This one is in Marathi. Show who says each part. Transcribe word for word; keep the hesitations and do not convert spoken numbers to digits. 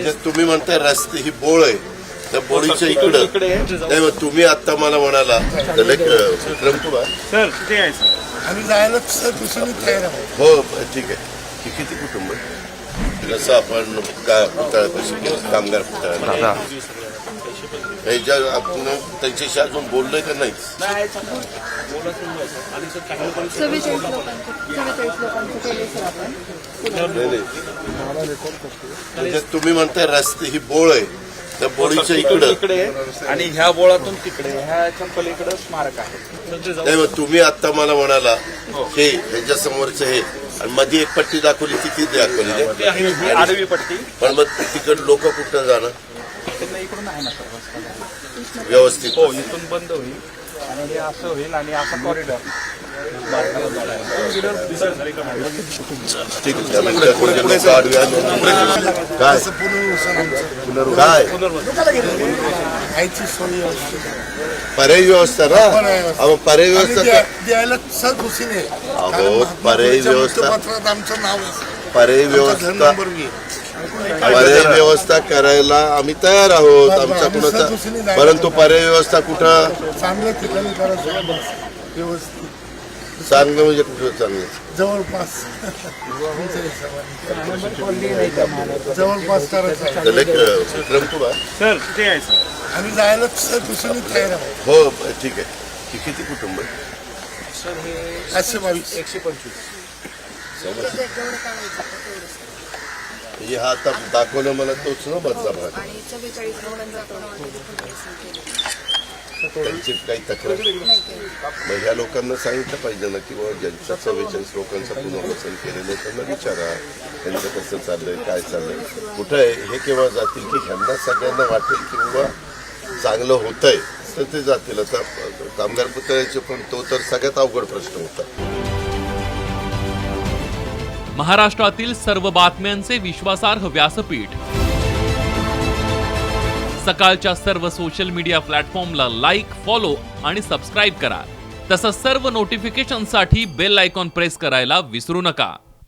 Speaker 1: म्हणजे तुम्ही म्हणताय रस्ते ही बोळ आहे, त्या बोळीच्या इकडं नाही मग तुम्ही आता मला म्हणाला विक्रम कुमार
Speaker 2: सर किती आहे सर
Speaker 3: आम्ही जायला सर दुसरी तयार आहोत.
Speaker 1: हो ठीक आहे. ही किती कुटुंब आहे? जसं आपण का पुतळ्यापाशी केलं कामगार पुतळ्याला ह्याच्या आपण त्यांच्याशी अजून बोललोय का नाही?
Speaker 4: चव्वेचाळीस लोकांचं चव्वेचाळीस लोकांचं केले सर आपण.
Speaker 1: नाही नाही म्हणजे तुम्ही म्हणताय रस्ते ही बोळ आहे, त्या बोळीच्या इकडं
Speaker 2: इकडे आणि ह्या बोळातून तिकडे ह्याच्या पलीकडे स्मारक आहे.
Speaker 1: नाही मग तुम्ही आता मला म्हणाला हे ह्याच्या समोरचं हे आणि मध्ये एक पट्टी दाखवली किती दाखवली
Speaker 2: ही आडवी पट्टी
Speaker 1: पण मग तिकड लोक कुठं जाणार
Speaker 2: त्यांना इकडून आहे ना सर
Speaker 1: व्यवस्थित?
Speaker 2: हो इथून बंद होईल आणि हे असं होईल आणि असा कॉरिडॉर
Speaker 1: ठीक आहे. पुढे पुढे आडवी आली. काय
Speaker 3: असं पुनर्वसन आमचं
Speaker 1: काय
Speaker 3: खायची सोय व्यवस्थित आहे.
Speaker 1: पर्यायी व्यवस्था ना अहो पर्यायी
Speaker 3: आम्ही
Speaker 1: व्यवस्था
Speaker 3: द्या-
Speaker 1: का-
Speaker 3: द्यायला सर खुशीने आहे.
Speaker 1: अहो,
Speaker 3: कारण महात्मा
Speaker 1: पर्यायी
Speaker 3: फुलेच्या
Speaker 1: व्यवस्था-
Speaker 3: वृत्तपत्रात आमचं नाव आहे.
Speaker 1: पर्यायी
Speaker 3: आमचा घर
Speaker 1: व्यवस्था
Speaker 3: नंबर घे.
Speaker 1: पर्यायी व्यवस्था करायला आम्ही तयार आहोत आमचा कुणाचा, परंतु पर्यायी व्यवस्था कुठं
Speaker 3: चांगल्या ठिकाणी करायचं बस. व्यवस्थित
Speaker 1: चांगलं म्हणजे कुठं चांगलं?
Speaker 3: जवळपास तुमच्या हिशोबाने. जवळपास करायचं आहे.
Speaker 1: तर लेक- विक्रम कुमार
Speaker 2: सर किती आहे सर
Speaker 3: आम्ही जायला सर दुसरी तयार आहोत.
Speaker 1: हो ठीक आहे. ही किती कुटुंब आहे?
Speaker 2: सर हे
Speaker 3: पाचशे बावीस
Speaker 2: एकशे पंचवीस
Speaker 4: जेवढं काढायचं तेवढं.
Speaker 1: म्हणजे हा आता दाखवलं मला तोच ना बदला भाग
Speaker 4: आणि चव्वेचाळीस लोकांचं आपण already पुनर्वसन केलं.
Speaker 1: त्यांची काही तक्रार
Speaker 4: नाही केलं.
Speaker 1: मग ह्या लोकांना सांगितलं पाहिजे ना की बाबा ज्यांच्या चव्वेचाळीस लोकांचं पुनर्वसन केलेलं आहे त्यांना विचारा त्यांचं कसं चाललंय काय चाललंय कुठं आहे हे केव्हा जातील की ह्यांना सगळ्यांना वाटेल की बाबा चांगलं होतंय तर ते जातील. आता कामगार पुतळ्याचे पण तो तर सगळ्यात अवघड प्रश्न होता.
Speaker 5: महाराष्ट्रातील सर्व बातम्यांचे विश्वासार्ह व्यासपीठ सकाळच्या सर्व सोशल मीडिया प्लॅटफॉर्मला लाईक, फॉलो आणि सबस्क्राईब करा. तसंच सर्व नोटिफिकेशनसाठी बेल आयकॉन प्रेस करायला विसरू नका.